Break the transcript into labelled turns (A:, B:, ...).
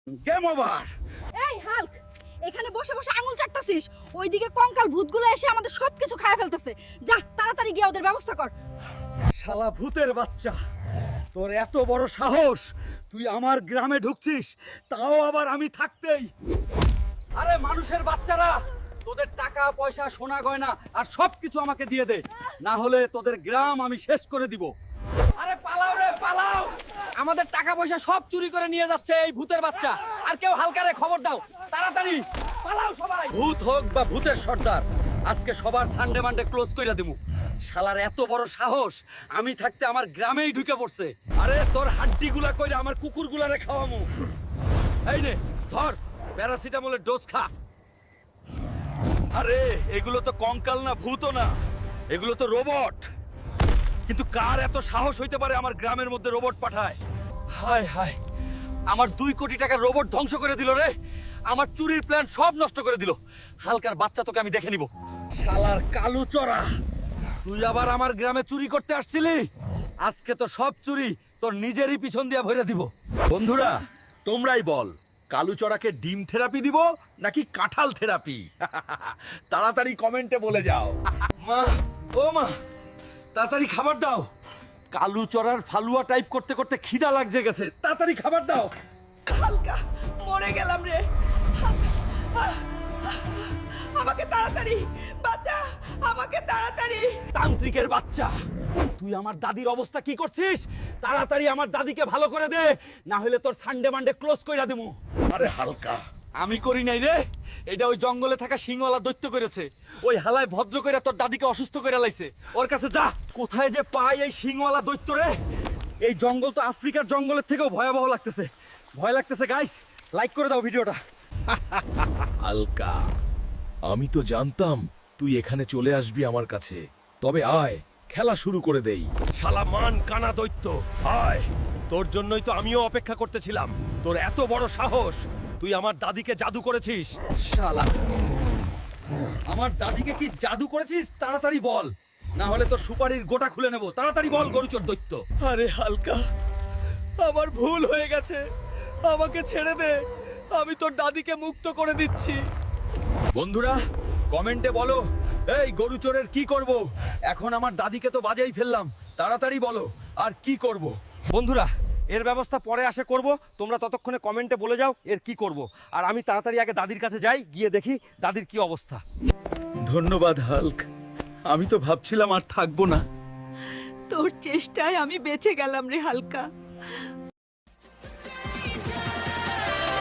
A: Game over.
B: এই Hulk, এখানে বসে বসে আঙুল চাটতাছিস, ওইদিকে কঙ্কাল ভূতগুলো এসে আমাদের সবকিছু খায় ফেলতেছে। যা তাড়াতাড়ি গিয়ে ওদের ব্যবস্থা কর।
A: শালা ভূতের বাচ্চা, তোর এত বড় সাহস, তুই আমার গ্রামে ঢুকছিস, তাও আবার আমি থাকতেই। আরে মানুষের বাচ্চারা, তোদের টাকা পয়সা সোনা গয়না আর সবকিছু আমাকে দিয়ে দে, না হলে তোদের গ্রাম আমি শেষ করে দিব। আরে পালাও রে পালাও, আমাদের টাকা পয়সা সব চুরি করে নিয়ে যাচ্ছে এই ভূতের বাচ্চা। আর কেউ হালকারে খবর দাও, তাড়াতাড়ি পালাও সবাই। ভূত হোক বা ভূতের সর্দার, আজকে সবার সানডে মানডে ক্লোজ কইরা দিমু। শালার এত বড় সাহস, আমি থাকতে আমার গ্রামেই ঢুকে পড়ছে। আরে তোর হাড্ডিগুলা কইরা আমার কুকুরগুলারে খাওয়ামু। এই নে ধর, প্যারাসিটামলের ডোজ খা। আরে এগুলো তো কঙ্কাল না, ভূতও না, এগুলো তো রোবট। কিন্তু কার এত সাহস হইতে পারে আমার গ্রামের মধ্যে রোবট পাঠায়? হায় হায়, আমার 2 কোটি টাকার রোবট ধ্বংস করে দিল রে। আমার চুরির প্ল্যান সব নষ্ট করে দিল। হালকার বাচ্চা, তোকে আমি দেখে নিব। শালার কালু চড়া, তুই আবার আমার গ্রামে চুরি করতে আসছিলি? আজকে তো সব চুরি তোর নিজেরই পিছন দিয়া ভরে দিব। বন্ধুরা তোমরাই বল, কালুচড়াকে ডিম থেরাপি দিব নাকি কাঁঠাল থেরাপি? তাড়াতাড়ি কমেন্টে বলে যাও। মা, ও মা, তাড়াতাড়ি খাবার দাও। কালুচড়ার ফালুয়া টাইপ করতে করতে খিদা লাগছে গেছে, তাড়াতাড়ি খাবার দাও।
B: হালকা, মরে গেলাম রে। আমাকে তাড়াতাড়ি বাঁচা, আমাকে তাড়াতাড়ি।
A: তান্ত্রিকের বাচ্চা, তুই আমার দাদির অবস্থা কি করছিস? তাড়াতাড়ি আমার দাদিকে ভালো করে দে, না হলে তোর সানডে মানডে ক্লোজ কইরা দেবো। আরে হালকা, আমি করি নাই রে, এটা ওই জঙ্গলে থাকা সিংওয়ালা দৈত্য করেছে। ওই হালায় ভদ্র কইরা তোর দাদিকে অসুস্থ কইরা লাইছে। ওর কাছে যা। কোথায় যে পাই এই সিংওয়ালা দৈত্য রে? এই জঙ্গল তো আফ্রিকার জঙ্গলের থেকেও ভয়াবহ লাগতেছে। ভয় লাগতেছে গাইস, লাইক করে দাও ভিডিওটা।
C: হালকা, আমি তো জানতাম তুই এখানে চলে আসবি আমার কাছে। তবে আয়, খেলা শুরু করে দেই।
A: শালা মান কানা দৈত্য, আয়। তোর জন্যই তো আমিও অপেক্ষা করতেছিলাম। তোর এত বড় সাহস, তুই আমার দাদিকে জাদু করেছিস। শালা, আমার দাদিকে কি জাদু করেছিস? তাড়াতাড়ি বল, না হলে তোর সুপারির গোটা খুলে নেব। তাড়াতাড়ি বল গরুচোর দৈত্য। আরে হালকা, আমার ভুল হয়ে গেছে, আমাকে ছেড়ে দে, আমি তোর দাদিকে মুক্ত করে দিচ্ছি। বন্ধুরা কমেন্টে বলো, এই গরুচোরের কি করব? এখন আমার দাদিকে তো বাজাই ফেললাম, তাড়াতাড়ি বলো আর কি করব? বন্ধুরা এর ব্যবস্থা পরে আসে করব, তোমরা ততক্ষণে কমেন্টে বলে যাও এর কি করব। আর আমি তাড়াতাড়ি আগে দাদির কাছে যাই, গিয়ে দেখি দাদির কি অবস্থা। ধন্যবাদ হাল্ক, আমি তো ভাবছিলাম আর থাকবো না।
B: তোর চেষ্টায় আমি বেঁচে গেলাম রে হালকা।